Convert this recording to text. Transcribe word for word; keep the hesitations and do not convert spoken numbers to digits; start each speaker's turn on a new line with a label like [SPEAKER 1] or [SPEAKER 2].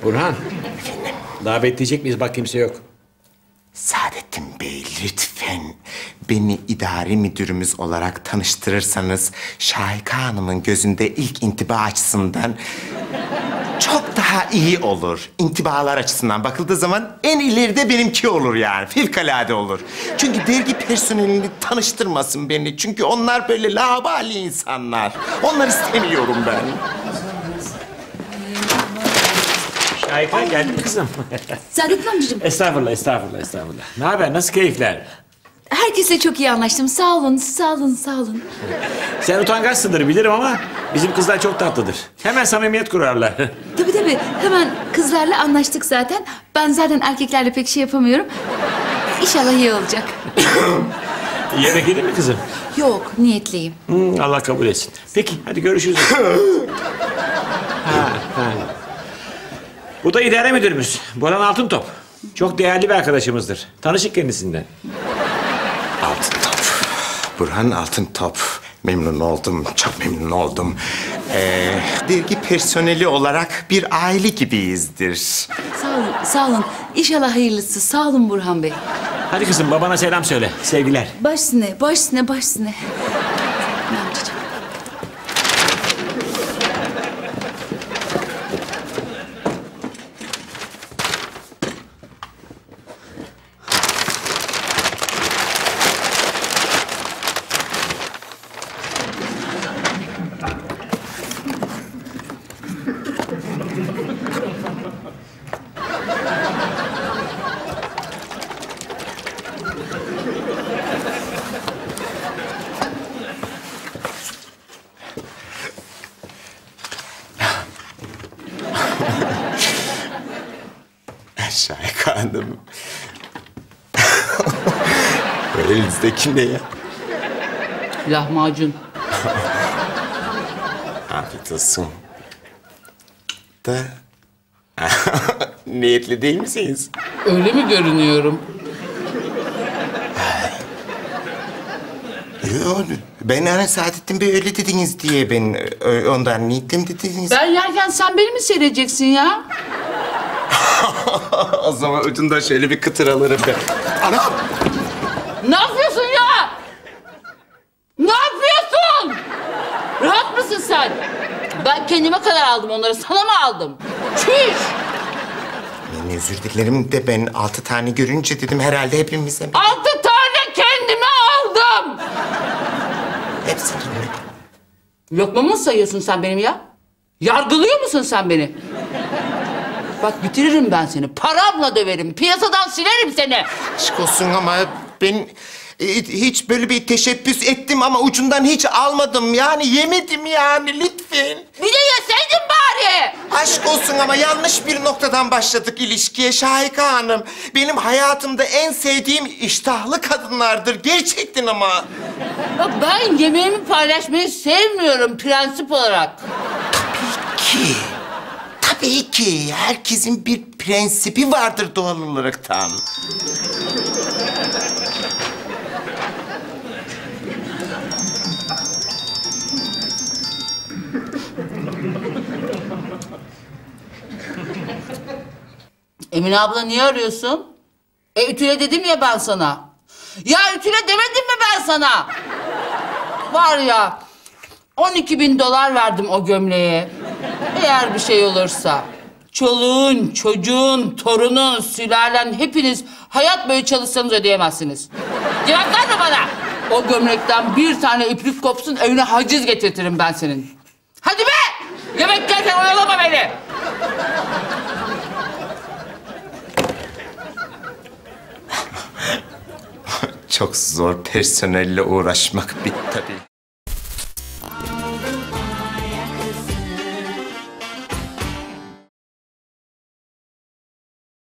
[SPEAKER 1] Burhan. Daha bekleyecek miyiz? Bak kimse yok.
[SPEAKER 2] Saadettin Bey, lütfen beni idari müdürümüz olarak tanıştırırsanız Şahika Hanım'ın gözünde ilk intiba açısından çok daha iyi olur. İntibalar açısından bakıldığı zaman en ileride benimki olur yani. Fevkalade olur. Çünkü dergi personelini tanıştırmasın beni. Çünkü onlar böyle laubali insanlar. Onları istemiyorum ben.
[SPEAKER 1] Şahika geldin mi kızım?
[SPEAKER 3] Saadettin amcacığım.
[SPEAKER 1] Estağfurullah, estağfurullah, estağfurullah. Ne haber? Nasıl keyifler?
[SPEAKER 3] Herkesle çok iyi anlaştım. Sağ olun, sağ olun, sağ olun.
[SPEAKER 1] Sen utangaçsındır bilirim ama bizim kızlar çok tatlıdır. Hemen samimiyet kurarlar.
[SPEAKER 3] Tabii tabii. Hemen kızlarla anlaştık zaten. Ben zaten erkeklerle pek şey yapamıyorum. İnşallah iyi olacak.
[SPEAKER 1] Yemek yedin mi kızım?
[SPEAKER 3] Yok, niyetliyim.
[SPEAKER 1] Hmm, Allah kabul etsin. Peki, hadi görüşürüz. ha, ha. Bu da idare müdürümüz. Burhan Altıntop. Çok değerli bir arkadaşımızdır. Tanışık kendisinden.
[SPEAKER 2] Altıntop. Burhan Altıntop. Memnun oldum, çok memnun oldum. Ee, dergi personeli olarak bir aile gibiyizdir.
[SPEAKER 3] Sağ olun, sağ olun. İnşallah hayırlısı. Sağ olun Burhan Bey.
[SPEAKER 1] Hadi kızım, babana selam söyle. Sevgiler.
[SPEAKER 3] Baş üstüne, baş üstüne, baş üstüne. Amcacığım.
[SPEAKER 2] Şahika Hanım. Elinizdeki ne ya?
[SPEAKER 3] Lahmacun.
[SPEAKER 2] Afiyet olsun. Da... Niyetli değil misiniz?
[SPEAKER 4] Öyle mi görünüyorum?
[SPEAKER 2] Yok, ben hani Saadettin Bey öyle dediniz diye ben ö- ondan niyetlim dediniz.
[SPEAKER 4] Ben yerken sen beni mi seyredeceksin ya?
[SPEAKER 2] O zaman ucundan şöyle bir kıtır alırım ben. Anam!
[SPEAKER 4] Ne yapıyorsun ya? Ne yapıyorsun? Rahat mısın sen? Ben kendime kadar aldım onları. Sana mı aldım? Çüş!
[SPEAKER 2] Ben özür dilerim de ben altı tane görünce dedim herhalde hepimize...
[SPEAKER 4] Altı tane kendime aldım.
[SPEAKER 2] Hepsini mi?
[SPEAKER 4] Lokmamı mı sayıyorsun sen benim ya? Yargılıyor musun sen beni? Bak bitiririm ben seni. Paramla döverim. Piyasadan silerim seni.
[SPEAKER 2] Aşk olsun ama ben e, hiç böyle bir teşebbüs ettim ama ucundan hiç almadım. Yani yemedim yani lütfen.
[SPEAKER 4] Bir de yeseydin bari.
[SPEAKER 2] Aşk olsun ama yanlış bir noktadan başladık ilişkiye Şahika Hanım. Benim hayatımda en sevdiğim iştahlı kadınlardır gerçekten ama.
[SPEAKER 4] Bak ben yemeğimi paylaşmayı sevmiyorum prensip olarak.
[SPEAKER 2] Ki, tabii ki herkesin bir prensibi vardır doğal olaraktan.
[SPEAKER 4] Emine abla niye arıyorsun? E ütüle dedim ya ben sana. Ya ütüle demedim mi ben sana? Var ya on iki bin dolar verdim o gömleğe. Eğer bir şey olursa çoluğun, çocuğun, torunun, sülalen hepiniz hayat boyu çalışsanız ödeyemezsiniz. Cevap verme bana. O gömlekten bir tane iplik kopsun evine haciz getirtirim ben senin. Hadi be! Yemek yerken oyalama beni.
[SPEAKER 2] Çok zor personelle uğraşmak bir tabii.